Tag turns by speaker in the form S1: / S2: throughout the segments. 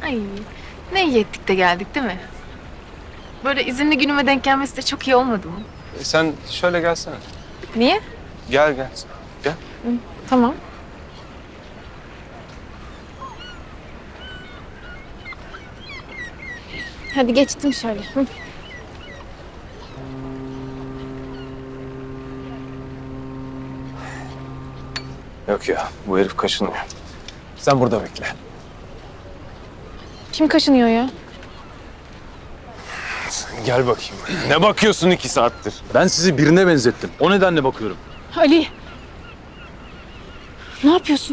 S1: Ay, ne iyi ettik de geldik değil mi? Böyle izinli günüme denk gelmesi de çok iyi olmadı mı?
S2: Sen şöyle gelsene.
S1: Niye?
S2: Gel gel. Gel.
S1: Tamam. Hadi geçtim şöyle. Hı.
S2: Yok ya, bu herif kaşınıyor. Sen burada bekle.
S1: Kim kaşınıyor ya?
S2: Sen gel bakayım. Ne bakıyorsun 2 saattir?
S3: Ben sizi birine benzettim. O nedenle bakıyorum.
S1: Ali. Ne yapıyorsun?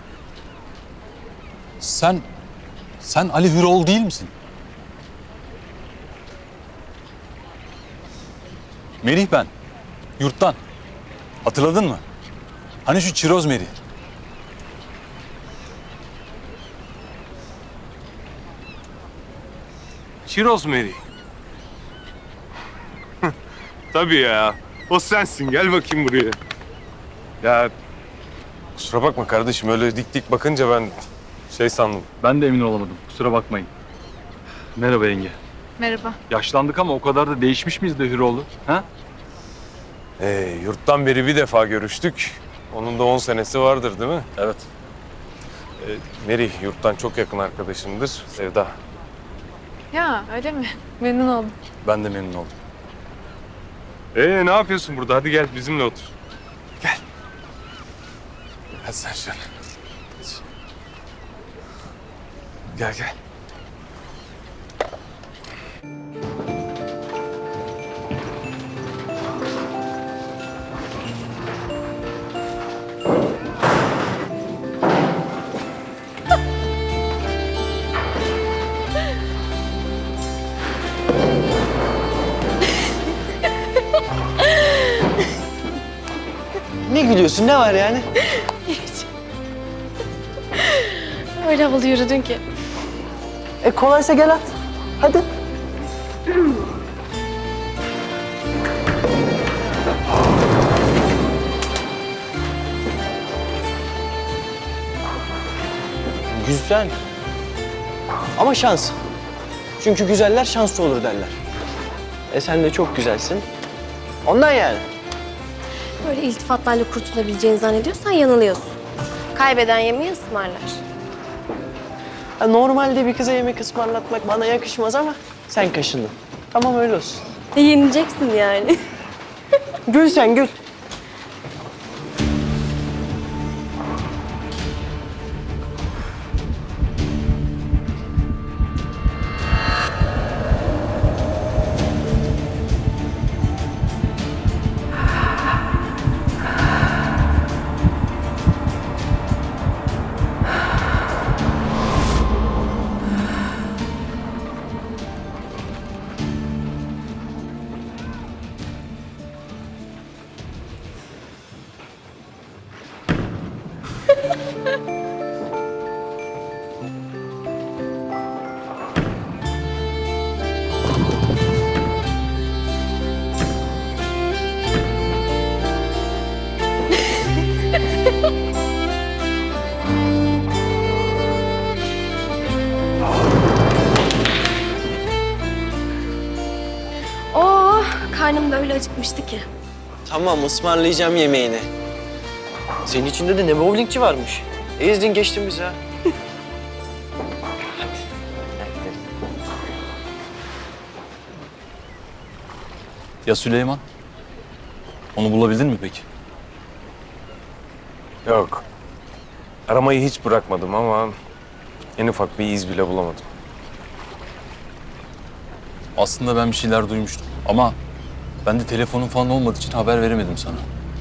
S3: Sen Ali Hüroğlu değil misin? Merih ben. Yurttan. Hatırladın mı? Hani şu çiroz Merih.
S2: Çiroz Mary. Tabii ya. O sensin. Gel bakayım buraya. Ya kusura bakma kardeşim. Öyle dik dik bakınca ben şey sandım.
S3: Ben de emin olamadım. Kusura bakmayın. Merhaba yenge.
S1: Merhaba.
S3: Yaşlandık ama o kadar da değişmiş miyiz de Hüroğlu? Ha?
S2: Yurttan beri bir defa görüştük. Onun da 10 senesi vardır değil mi?
S3: Evet.
S2: Mary yurttan çok yakın arkadaşımdır. Sevda.
S1: Ya öyle mi? Memnun oldum.
S3: Ben de memnun oldum.
S2: Ne yapıyorsun burada? Hadi gel bizimle otur. Gel. Hadi sen şöyle. Gel gel.
S4: Ne gülüyorsun? Ne var yani?
S1: Öyle havalı yürüdün ki.
S4: Kolaysa gel at. Hadi. Güzel. Ama şans. Çünkü güzeller şanslı olur derler. Sen de çok güzelsin. Ondan yani.
S5: Böyle iltifatlarla kurtulabileceğini zannediyorsan yanılıyorsun. Kaybeden yemeği ısmarlar.
S4: Normalde bir kıza yemek ısmarlatmak bana yakışmaz ama sen kaşındın. Tamam öyle olsun.
S5: Yenileceksin yani.
S4: Gül sen gül.
S5: Oo, karnım da öyle acıkmıştı ki.
S4: Tamam ısmarlayacağım yemeğini. Senin içinde de ne bowlingçi varmış. Ezdin geçtin bizi ha.
S3: Ya Süleyman? Onu bulabildin mi peki?
S2: Yok. Aramayı hiç bırakmadım ama en ufak bir iz bile bulamadım.
S3: Aslında ben bir şeyler duymuştum ama ben de telefonun falan olmadığı için haber veremedim sana.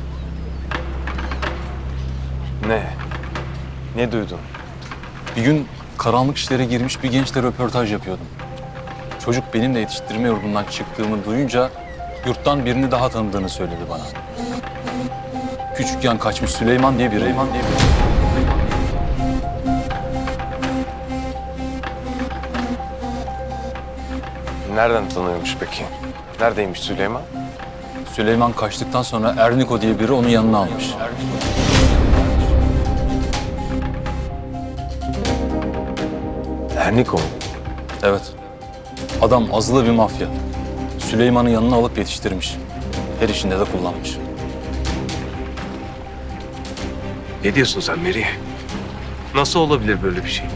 S2: Ne? Ne duydun?
S3: Bir gün karanlık işlere girmiş bir gençle röportaj yapıyordum. Çocuk benimle yetiştirme yurdundan çıktığımı duyunca yurttan birini daha tanıdığını söyledi bana. Küçükken kaçmış Süleyman diye biri.
S2: Nereden tanıyormuş peki? Neredeymiş Süleyman?
S3: Süleyman kaçtıktan sonra Erniko diye biri onu yanına almış.
S2: Erniko.
S3: Evet. Adam azılı bir mafya. Süleyman'ı yanına alıp yetiştirmiş. Her işinde de kullanmış.
S2: Ne diyorsun sen Meri? Nasıl olabilir böyle bir şey?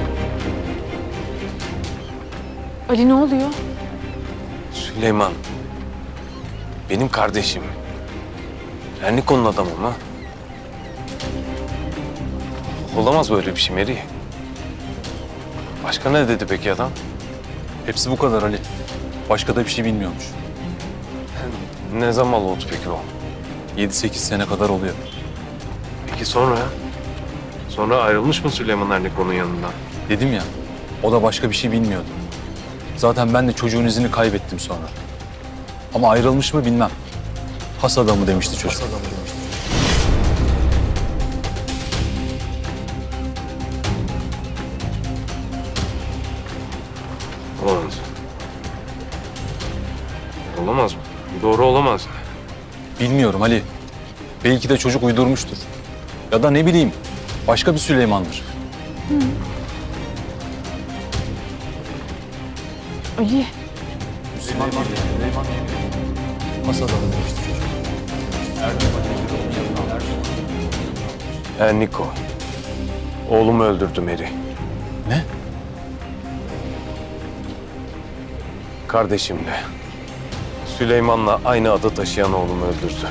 S1: Ali ne oluyor?
S2: Süleyman. Benim kardeşim. Erniko'nun adamı mı? Olamaz böyle bir şey Meri. Başka ne dedi peki adam?
S3: Hepsi bu kadar Ali. Başka da bir şey bilmiyormuş.
S2: Ne zaman oldu peki o?
S3: 7-8 sene kadar oluyor.
S2: Peki sonra? Sonra ayrılmış mı Süleyman Erniko'nun yanından?
S3: Dedim ya, o da başka bir şey bilmiyordu. Zaten ben de çocuğun izini kaybettim sonra. Ama ayrılmış mı bilmem. Has adamı demişti çocuk.
S2: Olamaz. Olamaz mı? Doğru olamaz.
S3: Bilmiyorum Ali. Belki de çocuk uydurmuştur. Ya da ne bileyim, başka bir Süleyman'dır.
S1: Ali.
S3: Has adamı demişti çocuk.
S2: Erniko. Oğlumu öldürdü Meri.
S3: Ne?
S2: Kardeşimle. Süleyman'la aynı adı taşıyan oğlumu öldürdü.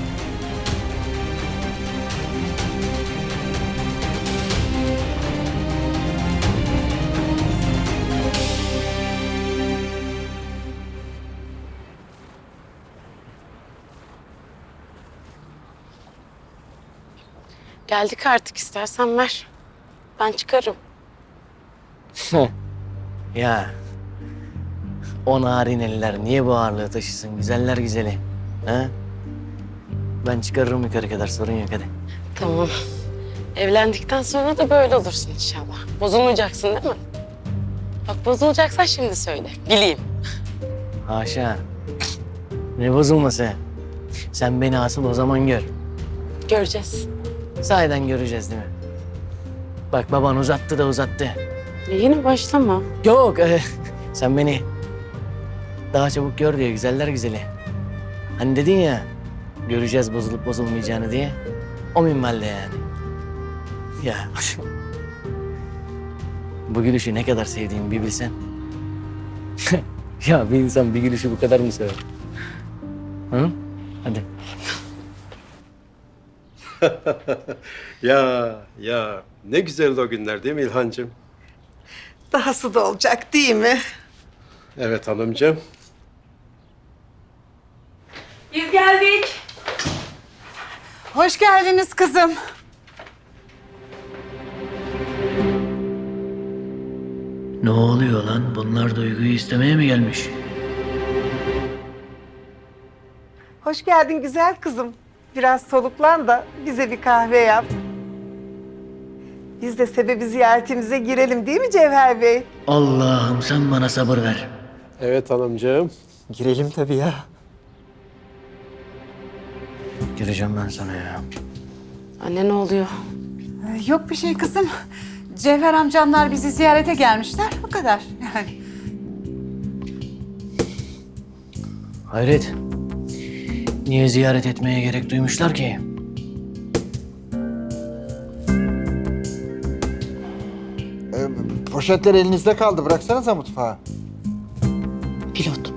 S6: Geldik artık, istersen ver. Ben çıkarım.
S4: Ya. O narin eller niye bu ağırlığı taşısın güzeller güzeli? Ha? Ben çıkarırım yukarı kadar, sorun yok hadi.
S6: Tamam. Evlendikten sonra da böyle olursun inşallah. Bozulmayacaksın değil mi? Bak bozulacaksan şimdi söyle. Bileyim.
S4: Haşa. Ne bozulması? Sen beni asıl o zaman gör.
S6: Göreceğiz.
S4: Sahiden göreceğiz değil mi? Bak baban uzattı da uzattı.
S6: Yine başlama.
S4: Yok, sen beni daha çabuk gör diyor güzeller güzeli. Hani dedin ya, göreceğiz bozulup bozulmayacağını diye. O minvalde yani. Ya. Bu gülüşü ne kadar sevdiğimi bir bilsen. Ya bir insan bir gülüşü bu kadar mı sever? Hı? Hadi.
S7: Ya ne güzeldi o günler değil mi İlhancığım?
S8: Dahası da olacak değil mi?
S7: Evet hanımcığım.
S8: Biz geldik. Hoş geldiniz kızım.
S4: Ne oluyor lan? Bunlar Duygu'yu istemeye mi gelmiş?
S8: Hoş geldin güzel kızım. Biraz soluklan da bize bir kahve yap. Biz de sebebi ziyaretimize girelim değil mi Cevher Bey?
S4: Allah'ım sen bana sabır ver.
S7: Evet hanımcığım.
S4: Girelim tabii ya. Gireceğim ben sana ya.
S6: Anne ne oluyor?
S8: Yok bir şey kızım. Cevher amcamlar bizi ziyarete gelmişler. O kadar yani.
S4: Hayret. Niye ziyaret etmeye gerek duymuşlar ki?
S9: Poşetler elinizde kaldı. Bıraksanıza mutfağa.
S6: Pilot.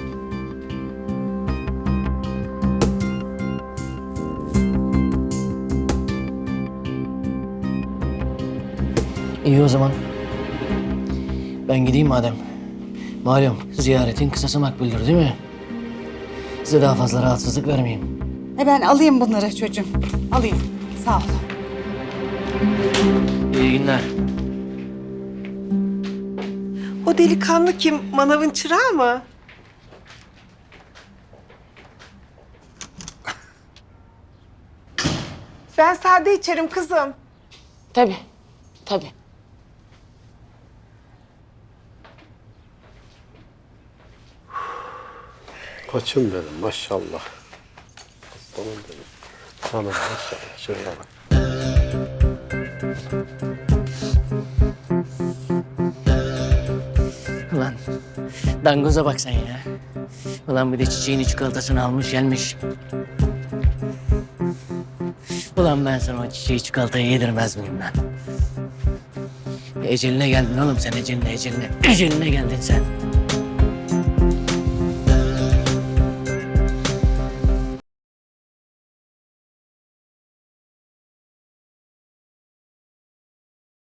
S4: İyi o zaman. Ben gideyim madem. Malum ziyaretin kısası makbuldür değil mi? Size daha fazla rahatsızlık vermeyeyim.
S8: Ben alayım bunları çocuğum. Alayım. Sağ ol.
S4: İyi günler.
S8: O delikanlı kim? Manavın çırağı mı? Ben sade içerim kızım.
S6: Tabii. Tabii.
S7: Koçum benim maşallah. Aslanım benim. Hanım maşallah. Şöyle bak.
S4: Dangoza bak sen ya. Ulan bir de çiçeğini çikolatasını almış gelmiş. Ulan ben sana o çiçeği çikolatayı yedirmez miyim lan? Eceline geldin oğlum sen eceline. Eceline geldin sen.